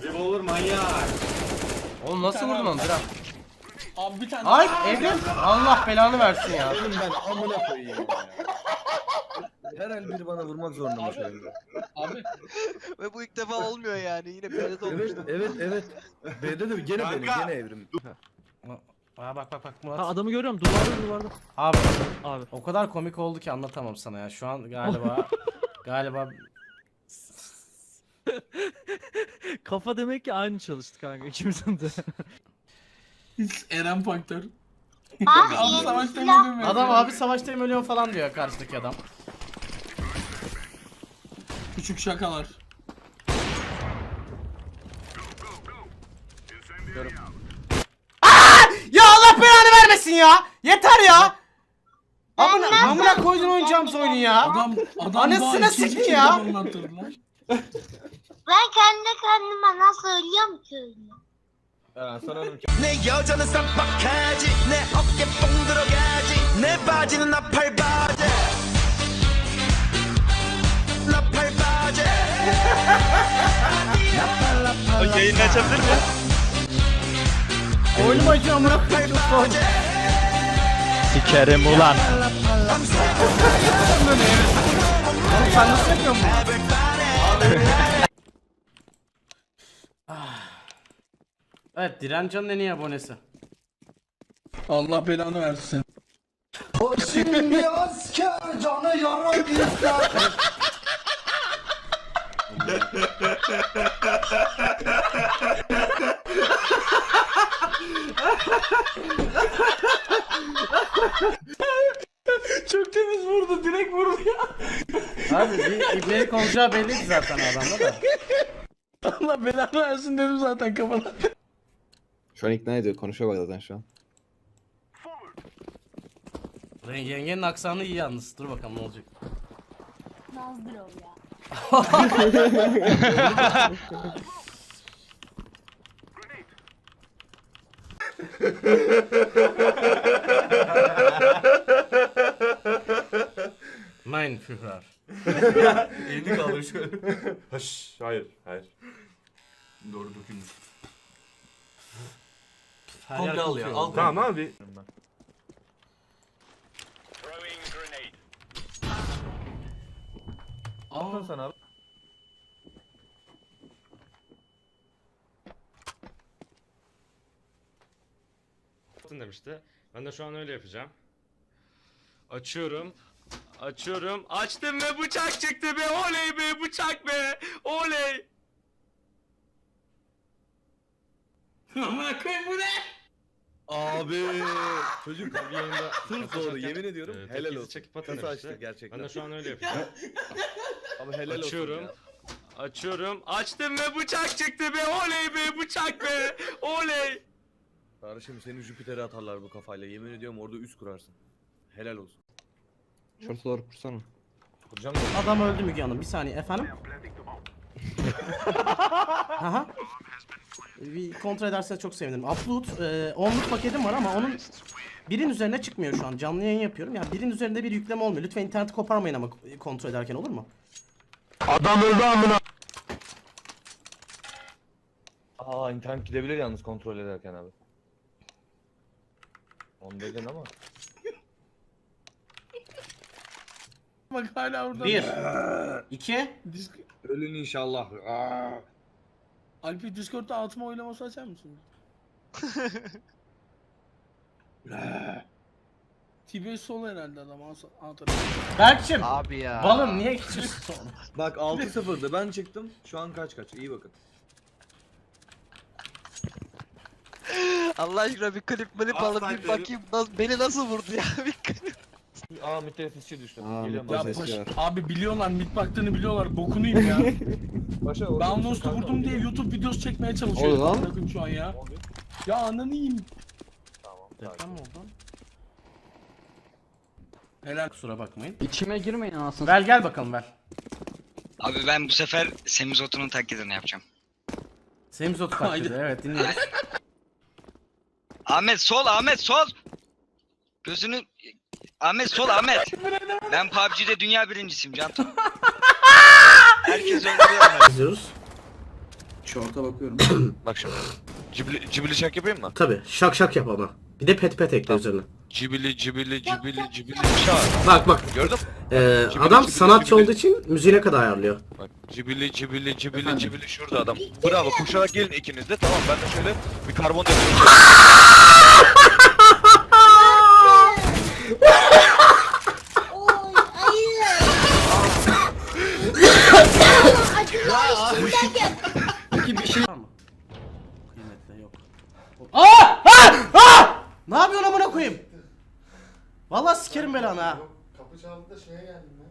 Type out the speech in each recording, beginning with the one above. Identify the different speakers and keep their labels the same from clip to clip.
Speaker 1: Revolver manyak.
Speaker 2: Oğlum nasıl vurdun onu? Bırak.
Speaker 3: Abi bir tane.
Speaker 2: Ay Evrim. Allah belanı versin ya.
Speaker 4: Oğlum ben amına koyayım ya. Her el biri bana vurmak zorunda şu anda.
Speaker 3: Abi.
Speaker 5: Ve bu ilk defa olmuyor yani. Yine B'de de
Speaker 4: Evet
Speaker 5: olmuştu.
Speaker 4: evet. B'de de gene benim
Speaker 1: Kanka.
Speaker 4: gene Evrim.
Speaker 2: Aa, bak Murat.
Speaker 6: Ha adamı görüyorum duvarda.
Speaker 2: Abi
Speaker 6: Abi.
Speaker 2: o kadar komik oldu ki anlatamam sana ya. Şu an galiba
Speaker 6: Kafa demek ki aynı çalıştı kanka ikimizin de.
Speaker 3: Eren Faktör.
Speaker 7: Abi
Speaker 3: Abi
Speaker 7: yeni
Speaker 3: savaşta
Speaker 7: silah.
Speaker 3: ölüyorum.
Speaker 2: adam abi savaştayım ölüyorum falan diyor karşıdaki adam.
Speaker 3: Küçük şakalar.
Speaker 2: Ya Allah belanı vermesin ya. Yeter ya. Amına koydun oynayacağımız oyunu ya.
Speaker 3: Adam
Speaker 2: Anasını
Speaker 3: daha ikinci
Speaker 2: sikeyim
Speaker 3: kere
Speaker 2: ya.
Speaker 3: anlattırdı lan.
Speaker 7: Ben kendi kendime nasıl ölüyorum ki öyle?
Speaker 4: Sanırım ki.
Speaker 8: 내 여자는 쌈박하지 내 어깨 뽕 들어가지 내 바지는 나팔바지 나팔바지
Speaker 5: O yayını açabilir mi?
Speaker 2: Oyunum acıyor amına koyayım. Çok zor.
Speaker 6: Sikerim ulan.
Speaker 2: Oğlum sen nasıl yapıyorsun bunu? Evet Direncan'ın en iyi abonesi.
Speaker 3: Allah belanı versin.
Speaker 8: O şimdi asker canı yara gitler
Speaker 3: Çok temiz vurdu. Direkt vurdu ya.
Speaker 2: Abi bir ibnelik olacağı belliydi zaten adamda da.
Speaker 3: Allah belanı versin dedim zaten kafana.
Speaker 4: Şu an ikna ediyor. Konuşuyor bak zaten şu an.
Speaker 2: Yengenin aksanı iyi yalnız. Dur bakalım ne olacak.
Speaker 7: Nazdır o ya.
Speaker 2: Mein Führer.
Speaker 1: Elini kaldır şöyle. Haş, hayır. Doğru dökülmüş.
Speaker 2: Her
Speaker 1: Komple
Speaker 2: yer
Speaker 1: al
Speaker 2: kokuyor.
Speaker 1: ya. Al. Tamam abi.
Speaker 4: Aldın sen abi.
Speaker 9: Demişti. Ben de şu an öyle yapacağım. Açıyorum. Açtım ve bıçak çıktı be. Oley be, bıçak be. Oley.
Speaker 3: Amına koyayım bu ne?
Speaker 4: Abi çocuk yayında sırf doğru yemin ediyorum helal
Speaker 9: Tekniği
Speaker 4: olsun.
Speaker 9: çekip atın
Speaker 4: Kasa
Speaker 9: demişti.
Speaker 4: açtı gerçekten.
Speaker 9: Ben de şu an öyle yapacağım.
Speaker 4: Abi helal
Speaker 9: Açıyorum.
Speaker 4: olsun
Speaker 9: Açıyorum. Açtım ve bıçak çıktı be. Oley be, bıçak be. Oley.
Speaker 4: ya. Kardeşim seni Jüpiter'e atarlar bu kafayla. Yemin ediyorum orada üst kurarsın. Helal olsun. Şortu doğru kursana. Kuracağım da.
Speaker 2: Adam öldü Müge Hanım. Bir saniye efendim. Aha. Bir kontrol ederseniz çok sevinirim. Upload 10'luk paketim var ama onun birin üzerine çıkmıyor şu an. Canlı yayın yapıyorum. Yani birin üzerinde bir yükleme olmuyor. Lütfen interneti koparmayın ama kontrol ederken olur mu?
Speaker 4: Aa internet gidebilir yalnız kontrol ederken abi. Onu dedin ama.
Speaker 3: Bak hala orada.
Speaker 2: 1 2
Speaker 4: Ölün inşallah.
Speaker 3: Alpi Discord'da altıma oylaması açar mısın? TBS sol herhalde adam anahtarı.
Speaker 2: Berkçim.
Speaker 5: Abi ya.
Speaker 2: Balım niye geçiyorsun?
Speaker 4: Bak 6-0'dı ben çıktım. Şu an kaç iyi bakın.
Speaker 5: Allah aşkına bir klip alıp bir bakayım. Beni nasıl vurdu ya? Bir klip.
Speaker 4: Aa müttefisçi düştü.
Speaker 3: Ya abi biliyorlar mid baktığını biliyorlar. Bokunu yiyeyim ya. Ben Lost'u vurdum diye YouTube videosu çekmeye çalışıyorum. Bakın şu an ya. Ya ananı yiyeyim.
Speaker 2: Deprem mi oldu?
Speaker 3: Helal.
Speaker 2: Kusura bakmayın.
Speaker 6: İçime girmeyin anasını.
Speaker 2: Gel bakalım ver.
Speaker 10: Abi ben bu sefer Semizotu'nun taklidini yapacağım.
Speaker 2: Semizot taklidi evet dinliyoruz.
Speaker 10: Ahmet sol, Ahmet sol. Gözünü... Ahmet sol, Ahmet. Ben PUBG'de dünya birincisiyim Cantu. Herkes öldürüyor.
Speaker 2: İzliyoruz. Şorta bakıyorum.
Speaker 4: Bak şimdi. Cibili şak yapayım mı?
Speaker 2: Tabi şak şak yap ama. Bir de pet pet ekle üzerine.
Speaker 4: Cibili şak.
Speaker 2: Bak.
Speaker 4: Gördün mü?
Speaker 2: Adam
Speaker 4: cibili,
Speaker 2: sanatçı
Speaker 4: cibili.
Speaker 2: olduğu için müziğine kadar ayarlıyor.
Speaker 4: Bak cibili şurada adam. Bravo koşarak gelin ikiniz de tamam ben de şöyle bir karbon yapıyorum.
Speaker 7: Oy ayı. Acılar üstündeyken.
Speaker 2: Peki bir şey var mı? Kıymetli yok. Aa! Ne yapıyorsun amına koyayım? Vallahi sikerim belanı ha.
Speaker 11: Kapı çaldı da şeye geldim ben.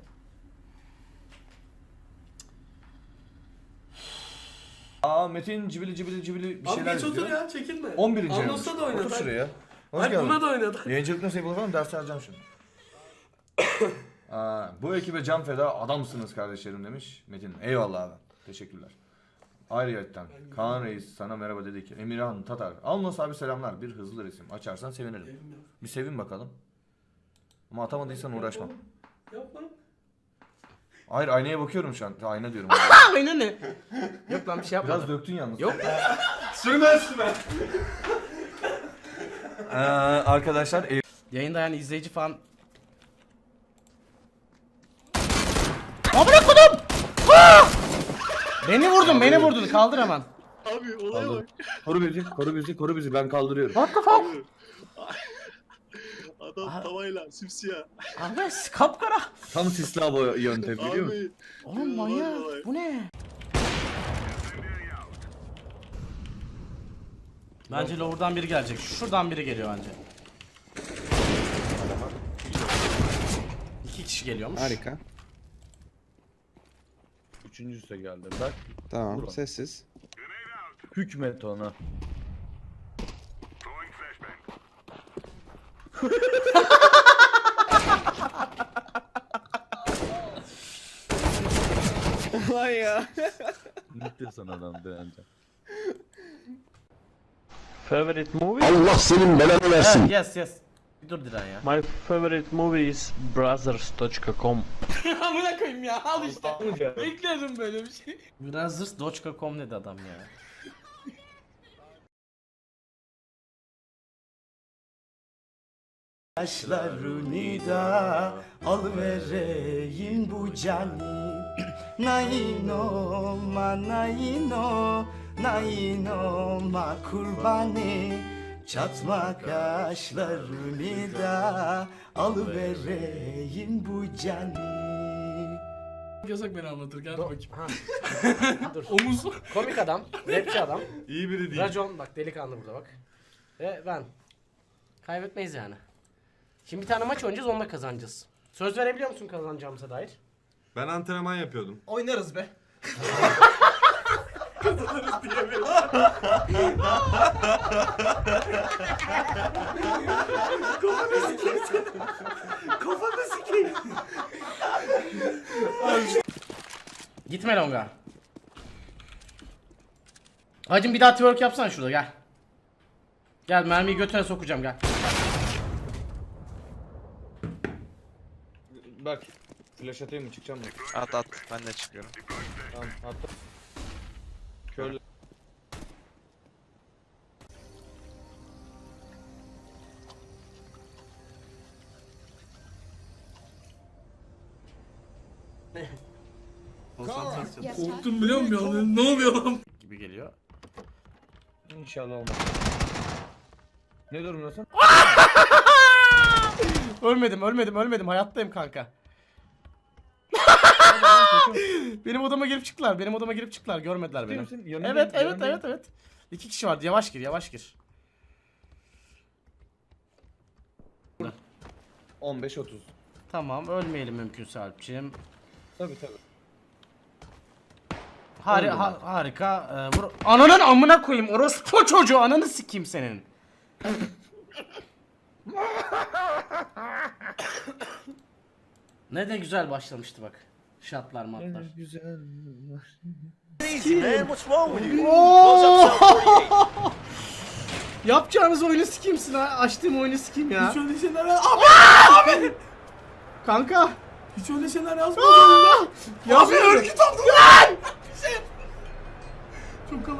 Speaker 1: Aa Metin cibili bir şeyler izliyor.
Speaker 2: ya çekinme.
Speaker 1: 11.
Speaker 2: Anons'ta da oynadı.
Speaker 1: Otur şuraya. Hoş
Speaker 2: Hayır
Speaker 1: geldin.
Speaker 2: buna da oynadı.
Speaker 1: Yayıncılık nasıl yapılır falan ders vereceğim şimdi. Bu ekibe can feda adamsınız kardeşlerim demiş Metin. Eyvallah abi. Teşekkürler. Ayrıyetten Kaan Reis sana merhaba dedi ki Emirhan Tatar. Alnos abi selamlar. Bir hızlı resim. Açarsan sevinirim. Bir sevin bakalım. Ama atamadıysan uğraşma.
Speaker 2: Yapma.
Speaker 1: Hayır aynaya bakıyorum şu an. Ayna diyorum.
Speaker 2: Aynen ne? Yok lan bir şey yapmadım.
Speaker 1: Biraz döktün yalnız.
Speaker 2: Yok.
Speaker 1: Sürme. Arkadaşlar
Speaker 2: Yayında yani izleyici falan... Amına kodum! Beni vurdun. Kaldır hemen.
Speaker 11: Abi olaya bak.
Speaker 1: Koru bizi ben kaldırıyorum.
Speaker 2: What the fuck?
Speaker 11: Adam tavayla simsiyah.
Speaker 2: Abi kapkara.
Speaker 1: Tam sisli hava yöntemi biliyor musun?
Speaker 11: Abi.
Speaker 2: Oğlum manyak. Bu ne? Bence lower'dan biri gelecek. Şuradan biri geliyor bence. 2 kişi geliyormuş.
Speaker 12: Harika.
Speaker 3: Üçüncüsü de geldi. Bak
Speaker 12: Tamam, sessiz.
Speaker 3: hükmet ona.
Speaker 12: Vay ya.
Speaker 3: Bitti sana adam beğeneceğim.
Speaker 6: Favorite movie?
Speaker 12: Allah senin belanı versin.
Speaker 2: Yes. Bir dur Diren ya.
Speaker 6: My favorite movie is brothers.com.
Speaker 2: Amına koyayım ya al işte. Bekledim böyle bir şey. Brothers.com dedi adam ya. Yaşlarını da alıvereyim bu cani. Naino ma kurbani. Çatma kaşlarını da alıvereyim bu cani. Yasak beni anlatır gel bakayım. Dur. Omuz. Komik adam, rapçi adam.
Speaker 1: İyi biri değil.
Speaker 2: Racon bak delikanlı burada bak. Ve ben. Kaybetmeyiz yani. Şimdi bir tane maç oynayacağız onunla kazanacağız. Söz verebiliyor musun kazanacağımıza dair?
Speaker 1: Ben antrenman yapıyordum.
Speaker 2: Oynarız be. Kafanı sikeyim. Gitme longa. Hacım bir daha twerk yapsana şurada gel. Gel mermiyi götüne sokacağım gel.
Speaker 4: Bak flash atayım mı çıkacağım mı?
Speaker 5: At ben de çıkıyorum.
Speaker 4: Tamam attım. Körle.
Speaker 2: Korktum biliyor musun ya? Ne oluyor lan? Gibi geliyor.
Speaker 4: İnşallah olmaz. Ne durumdasın?
Speaker 2: Ölmedim hayattayım kanka. Benim odama girip çıktılar görmediler beni. Evet. 2 kişi vardı yavaş gir.
Speaker 4: 15-30.
Speaker 2: Tamam ölmeyelim mümkünse Alpçiğim.
Speaker 4: Tabii.
Speaker 2: Harika. Vur. Ananın amına koyayım orospu çocuğu ananı sikeyim senin. Ne de güzel başlamıştı bak. Şatlar matlar.
Speaker 4: Güzel.
Speaker 2: Yapacağınız oyunu sikimsin ha. Açtığım oyunu sikim ya. Hiç öyle şeyler abi. Kanka. Hiç öyle şeyler yazmadım ya. Abi örgüt oldum lan. Çok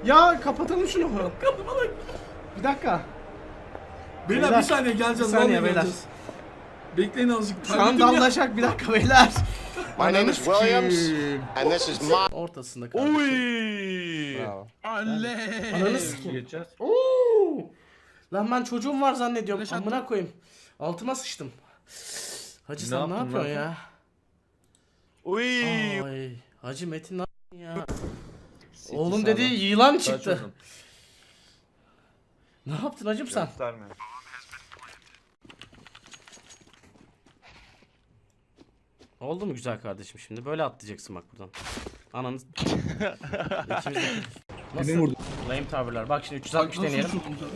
Speaker 2: Ya kapatalım şunu. Bir dakika.
Speaker 3: Beyler bir saniye geleceğiz.
Speaker 2: Bir saniye
Speaker 3: vallahi
Speaker 2: beyler.
Speaker 3: geleceğiz. Bekleyin azıcık.
Speaker 2: Şu an
Speaker 3: Kaybettim ya.
Speaker 2: dallaşak bir dakika beyler.
Speaker 12: My name is Williams and this is my...
Speaker 2: Ortasında kardeşim.
Speaker 3: Oy.
Speaker 12: Bravo.
Speaker 3: Alle.
Speaker 2: Ananı sikeyim.
Speaker 4: Geçeceğiz.
Speaker 2: Oo! Lan ben çocuğum var zannediyorum.
Speaker 3: Flash
Speaker 2: Amına koyayım. Altıma sıçtım. Hacı sen ne
Speaker 4: yaptın
Speaker 2: yapıyorsun
Speaker 4: lan?
Speaker 2: ya?
Speaker 4: Uy.
Speaker 2: Ay, Hacı Metin ne yaptın ya?
Speaker 12: City
Speaker 2: Oğlum
Speaker 12: sağda.
Speaker 2: dedi yılan
Speaker 4: Kaç
Speaker 2: çıktı.
Speaker 4: oldun?
Speaker 2: Ne yaptın hacım sen?
Speaker 4: Gösterme.
Speaker 2: Oldu mu güzel kardeşim şimdi? Böyle atlayacaksın bak buradan. Ananı... İkimiz de... Nasıl? Lame tower'lar. Bak şimdi 360
Speaker 3: Nasıl
Speaker 2: deneyelim.
Speaker 3: uçurdun sen?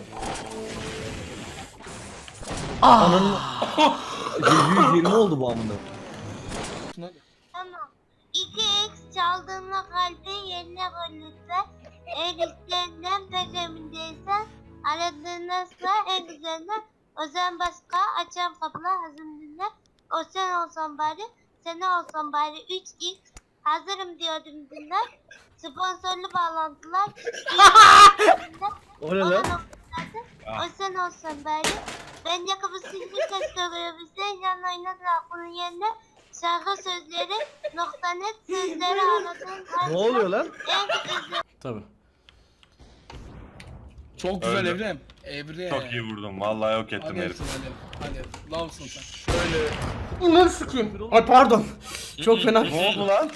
Speaker 2: Ah!
Speaker 4: 120 oldu bu amına.
Speaker 7: Tamam. 2x çaldığında kalbi yerine koyulursa eğer istenilen pek emin değilsen aradığında en güzelinden o zaman başka açan kapılar hazırlığında o sen olsan bari sen olsan bari 3x hazırım diyordum dinler sponsorlu bağlantılar
Speaker 4: O ne lan?
Speaker 7: o sen olsan bari ben yakıbı silgi ses görebilsen yan oynadın aklının yerine şarkı sözleri .net sözleri aradığın
Speaker 4: Ne oluyor lan?
Speaker 7: en güzel
Speaker 2: Tabii.
Speaker 3: Çok güzel Evrem. Evre.
Speaker 9: Çok iyi vurdum. Vallahi yok ettim
Speaker 3: Hadi
Speaker 9: herif.
Speaker 3: hadi. Hadi. Lavsın sen.
Speaker 4: Şöyle.
Speaker 2: Ulan sıkayım. Ay pardon. Çok fena.
Speaker 4: Ne oldu lan?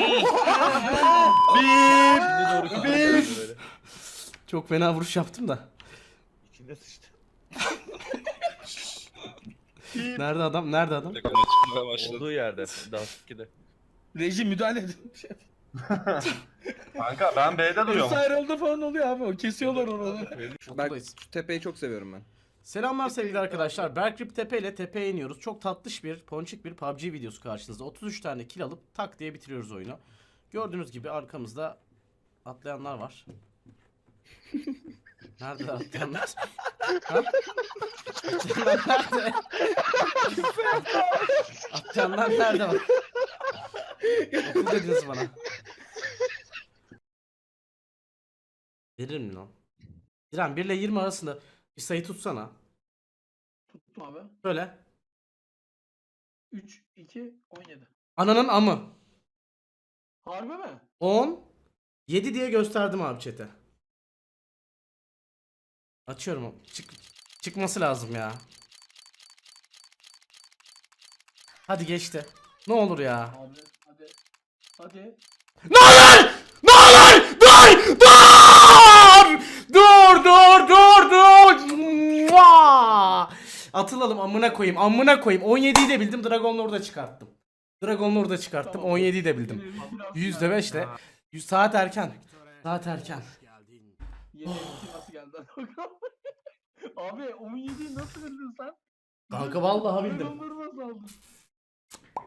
Speaker 2: Bir. Çok fena vuruş yaptım da.
Speaker 4: İçine sıçtı.
Speaker 2: Nerede adam? Nerede adam?
Speaker 4: Olduğu yerde. Dans 2'de.
Speaker 3: Reji müdahale edin.
Speaker 9: Kanka ben B'de duruyorum.
Speaker 3: Vesaire falan oluyor abi. O kesiyorlar oraları.
Speaker 12: Ben şu tepeyi çok seviyorum ben.
Speaker 2: Selamlar sevgili arkadaşlar. Berkrip Tepe ile tepeye iniyoruz. Çok tatlış bir, ponçik bir PUBG videosu karşınızda. 33 tane kill alıp tak diye bitiriyoruz oyunu. Gördüğünüz gibi arkamızda atlayanlar var. Nerede atlayanlar? Ha? Atlayanlar nerede? Atlayanlar nerede var? Okul dediniz bana. Veririm mi lan? İrem 1 ile 20 arasında bir sayı tutsana.
Speaker 3: Tuttum abi.
Speaker 2: Böyle.
Speaker 3: 3, 2, 17.
Speaker 2: Ananın amı.
Speaker 3: Harbi mi?
Speaker 2: 10 7 diye gösterdim abi chat'e. Açıyorum. Çıkması lazım ya. Hadi geçti. Ne olur ya.
Speaker 3: Abi hadi. Hadi.
Speaker 2: Ne olur! Ne olur! Dur! Dur! Dur dur dur dur! Mua! Atılalım amına koyayım. Amına koyayım. 17'yi de bildim. Dragon Lord'a çıkarttım. Dragon Lord'a çıkarttım. 17'yi de bildim. %5 de. 100 saat erken. Saat erken.
Speaker 3: Yeni nasıl geldi? Abi 17'yi nasıl bildin sen?
Speaker 2: Kanka vallahi bildim.
Speaker 3: Dragonları nasıl aldın?